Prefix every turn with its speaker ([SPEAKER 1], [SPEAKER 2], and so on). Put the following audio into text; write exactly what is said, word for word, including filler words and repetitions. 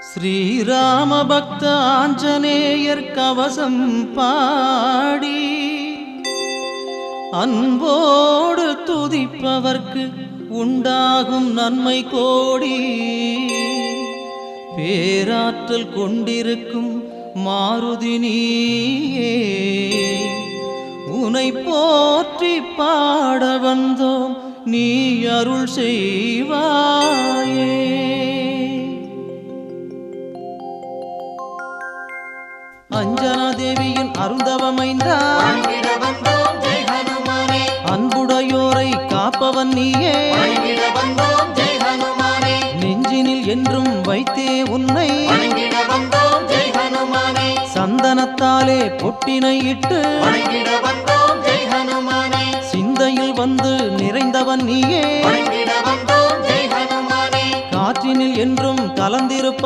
[SPEAKER 1] ஸ்ரீராம பக்த ஆஞ்சநேயர் கவசம் பாடி அன்போடு துதிப்பவர்க்கு உண்டாகும் நன்மை கோடி. பேராற்றல் கொண்டிருக்கும் மாருதி நீயே, உனை போற்றி பாட வந்தோம், நீ அருள் செய்வாயே. அஞ்சனா தேவியின் அருந்தவமைந்தா, அன்புடையோரை காப்பவன் நீயே. நெஞ்சினில் என்றும் வைத்தே உன்னை, சந்தனத்தாலே பொட்டினை இட்டு சிந்தையில் வந்து நிறைந்தவன் நீயே. காற்றினில் என்றும் கலந்திருப்ப